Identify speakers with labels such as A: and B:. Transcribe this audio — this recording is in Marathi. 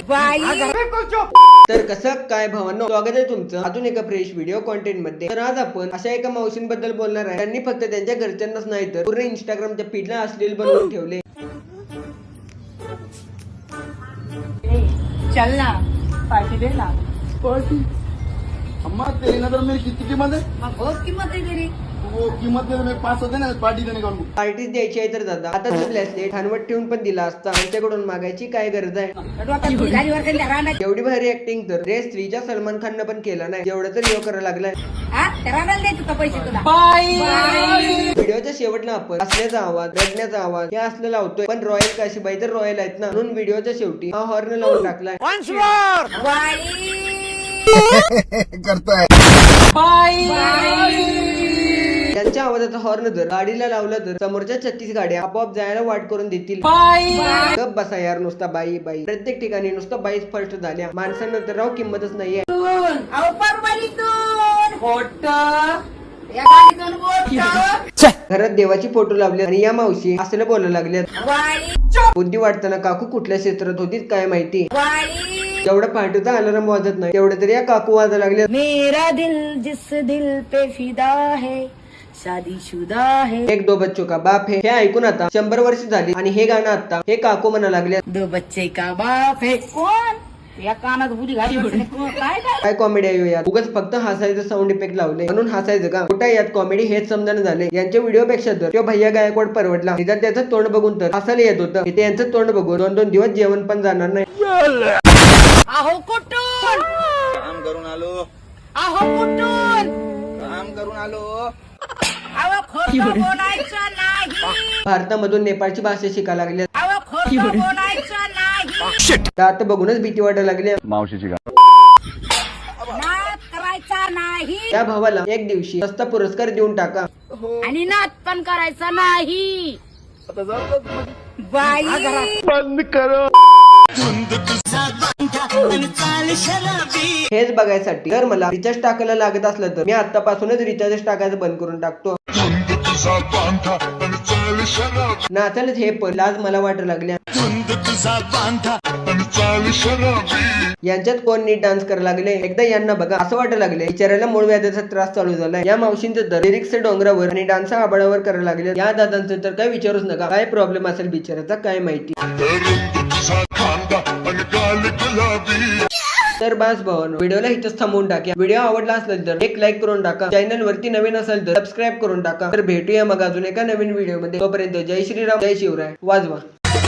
A: तर कसं काय भावांनो, स्वागत आहे तुमचं अजून एका फ्रेश व्हिडिओ कॉन्टेंट मध्ये। तर आज आपण अशा एका मावशींबद्दल बोलणार आहे, त्यांनी फक्त त्यांच्या घरच्यांनाच नाही तर पूर्ण इंस्टाग्रामच्या फीडला अश्लील बनवून ठेवले।
B: चल ना पार्टी दे ना।
C: पार्टी अम्मा तेरी नजर में कितनी कीमत है?
B: बहुत कीमत है तेरी।
C: वो कीमत में मैं 5 होते ना पार्टी देने का उनको।
A: पार्टीच द्यायची आहे तर दादा आता ब्रेसलेट ठाणवट ठेवून पण दिला असता, त्यांच्याकडून मागायची काय गरज आहे? एवढी भारी ऍक्टिंग तर रे स्त्रीच्या सलमान खाननं पण केला नाही, एवढं तर यो करायला लागलाय। व्हिडिओच्या शेवटला आपण हसण्याचा आवाज, रडण्याचा आवाज हे असलं लावतोय, पण रॉयल काशीबाई तर रॉयल आहेत ना, म्हणून व्हिडिओच्या शेवटी हा हॉर्न लावून टाकलाय।
C: करता है
A: त्यांच्या आवाजाचा हॉर्न जर गाडीला लावला तर समोरच्या 36 गाड्या आपोआप जायला वाट करून देतील। गप बसा यार, नुसता बाई बाई, प्रत्येक ठिकाणी नुसतं बाईच फर्स्ट झाल्या, माणसांना तर राव किंमतच नाहीये। घरात देवाची फोटो लावले आणि या मावशी असं बोलायला लागल्यात। बुद्धी वाटताना काकू कुठल्या क्षेत्रात होती काय माहिती, जेवढं पाठवता अलार्म वाजत नाही तेवढं तरी या काकू वाजायला लागल्या।
B: मेरा दिल जिस दिल पे फिदा है शादीशुदा है,
A: एक दो बच्चों का बाप है हे ऐकून आता 100 वर्ष झाली आणि हे गाणं आता हे काकू म्हणा लागले।
B: दो बच्चे का बाप है कोण? या कानात बुरी घाली
A: काय कॉमेडी आहे यार, उगाच फक्त हसायचं साऊंड इफेक्ट लावले म्हणून हसायचं का? कुठे यात कॉमेडी हेच समजणं झाले। यांच्या व्हिडिओ पेक्षा तर तो भैया गायकवाड परवडला, निदान त्याचं तोंड बघून तर हसायला येत होतं, इथे यांचं तोंड बघून 2-2 दिवस जेवण पण जाणार नाही।
B: अहो कुठून
C: काम करून आलो,
B: अहो कुठून
C: काम करून आलो।
B: अहो खोटं बोलायचं नाही,
A: भारतामधून नेपाळची भाषा शिकायला लागली,
B: अहो खोटं बोलायचं नाही,
A: आता बघूनच भीती वाटायला लागली।
C: मावशीची का
B: नाद करायचा नाही
A: त्या भावाला एक दिवशी सस्ता पुरस्कार देऊन टाका।
B: आणि नाद पण करायचा नाही। बाई
C: बंद करो।
A: हेच बघायसाठी जर मला रिचार्ज टाकायला लागत असलं तर मी आतापासूनच रिचार्ज टाकायचं बंद करून टाकतो। नाचालच हे पण लाज मला वाटायला लागल्या। यांच्यात कोण नीट डान्स करायला लागले, एकदा यांना बघा असं वाटायला लागले बिचाऱ्याला मूळ व्याधाचा त्रास चालू झालाय। या मावशींचं तर लिरिक्स डोंगरावर आणि डान्स आबाळावर करायला लागले। या दादांचं तर काय विचारूच नका, काय प्रॉब्लेम असेल बिचाऱ्याचा काय माहिती। तर बस भावांनो, व्हिडिओला इथंच थांबवून टाका। व्हिडिओ आवडला असेल तर एक लाईक करून टाका, चॅनल वरती नवीन असेल तर सबस्क्राईब करून टाका। तर भेटूया मग अजून एका नवीन व्हिडिओ मध्ये, तोपर्यंत जय श्रीराम जय शिवराय वाजवा।